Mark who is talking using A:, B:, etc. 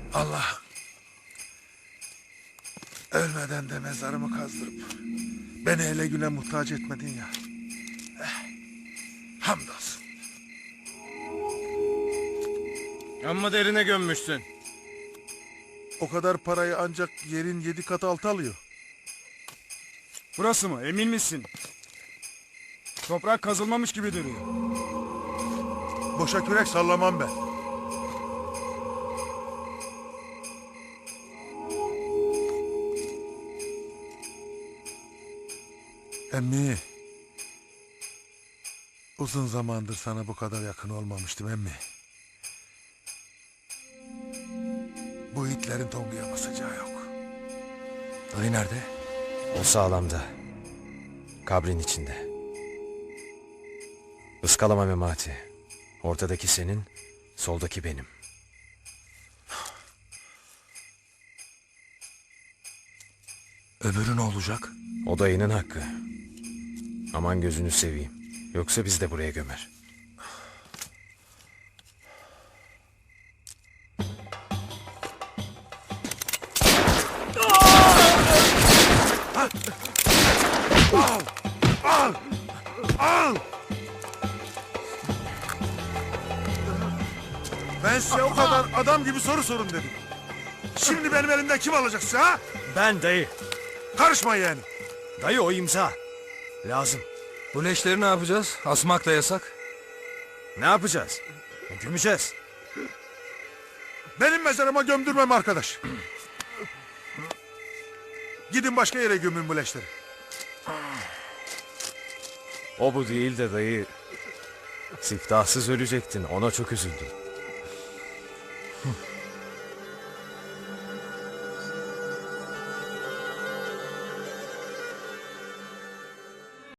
A: Allah ölmeden de mezarımı kazdırıp beni hele güne muhtaç etmedin ya. Hamdolsun.
B: Amma derine gömmüşsün.
A: O kadar parayı ancak yerin 7 katı altı alıyor.
C: Burası mı? Emin misin? Toprak kazılmamış gibi duruyor.
A: Boşa kürek sallamam ben. Emmi. Uzun zamandır sana bu kadar yakın olmamıştım emmi. Bu itlerin Tongu'ya basacağı yok.
D: Dayı nerede?
E: O sağlamda. Kabrin içinde. Iskalama Memati. Ortadaki senin, soldaki benim.
D: Öbürü ne olacak?
E: O dayının hakkı. Aman gözünü seveyim. Yoksa biz de buraya gömer.
A: Al! Ben size o kadar adam gibi soru sorun dedim. Şimdi benim elimden kim alacak size ha?
E: Ben dayı.
A: Karışma yani.
E: Dayı o imza. Lazım.
D: Bu leşleri ne yapacağız? Asmak da yasak.
E: Ne yapacağız? Gömeceğiz.
A: Benim mezarıma gömdürmem arkadaş. Gidin başka yere gömün bu leşleri.
E: O bu değil de dayı. Siftahsız ölecektin. Ona çok üzüldüm.